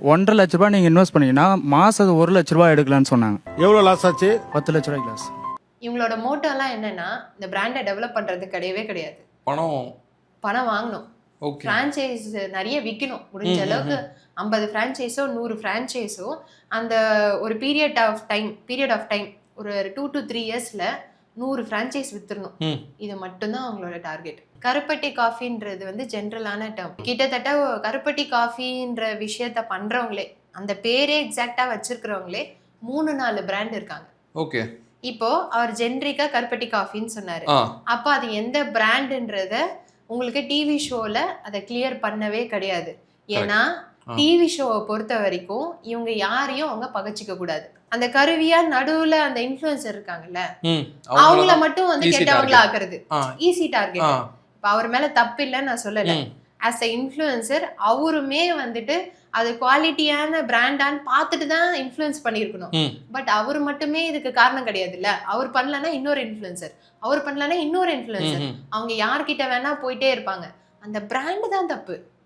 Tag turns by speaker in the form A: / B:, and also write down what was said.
A: ₹1,50,000 நீங்க இன்வெஸ்ட் பண்ணீங்கன்னா மாசம் ₹1,00,000 எடுக்கலாம்னு சொன்னாங்க.
B: எவ்வளவு லாஸ் ஆச்சு?
A: ₹10,00,000 லாஸ்.
C: இவங்களோட மோட்டோலாம் என்னன்னா இந்த பிராண்டை டெவலப் பண்றது கிடையவே கிடையாது. பணம் வாங்கணும், ஃப்ரான்ச்சைஸ் நிறைய விற்கணும், முடிஞ்ச அளவுக்கு 50 ஃப்ரான்ச்சைஸோ 100 ஃப்ரான்ச்சைஸோ அந்த ஒரு பீரியட் ஆஃப் டைம் ஒரு 2 to 3 இயர்ஸ்ல 100 ஃப்ரான்ச்சைஸ் வித்துடணும். இது மட்டும்தான் அவங்களோட டார்கெட். கருப்பட்டி காஃபின்றது வந்து ஜென்ரலான டேர்ம். கிட்டத்தட்ட கருப்பட்டி காஃபின்ற விஷயத்த பண்றவங்களே, அந்த பேரே எக்ஸாக்டா வச்சிருக்கிறவங்களே 3-4 பிராண்ட் இருக்காங்க.
D: ஓகே.
C: இப்போ அவர் ஜென்ரிக்கா கருப்பட்டி காஃபின்னு சொன்னாரு. அப்போ அது எந்த பிராண்டுன்றத உங்களுக்கு டிவி ஷோல அதை கிளியர் பண்ணவே கிடையாது. ஏன்னா டிவி ஷோவை பொறுத்த வரைக்கும் இவங்க யாரையும் அவங்க பகச்சிக்க கூடாது. அந்த கருவியா நடுவுல அந்த இன்ஃப்ளூயன்சர் இருக்காங்கல்ல, அவங்கள மட்டும் வந்து கெட்டவங்களா ஆக்குறது ஈஸி டார்கெட். இப்ப அவர் மேல தப்பு இல்லைன்னு நான் சொல்லல. ஆஸ் அ இன்ஃப்ளூயன்சர் அவருமே வந்துட்டு அது குவாலிட்டியான பிராண்டான்னு பார்த்துட்டு தான் இன்ஃப்ளூயன்ஸ் பண்ணியிருக்கணும். பட் அவர் மட்டுமே இதுக்கு காரணம் கிடையாது இல்ல. அவர் பண்ணலன்னா இன்னொரு இன்ஃப்ளூயன்சர், அவர் பண்ணலன்னா இன்னொரு இன்ஃப்ளூயன்சர், அவங்க யார்கிட்ட வேணா போயிட்டே இருப்பாங்க. அந்த பிராண்ட் தான் தப்பு.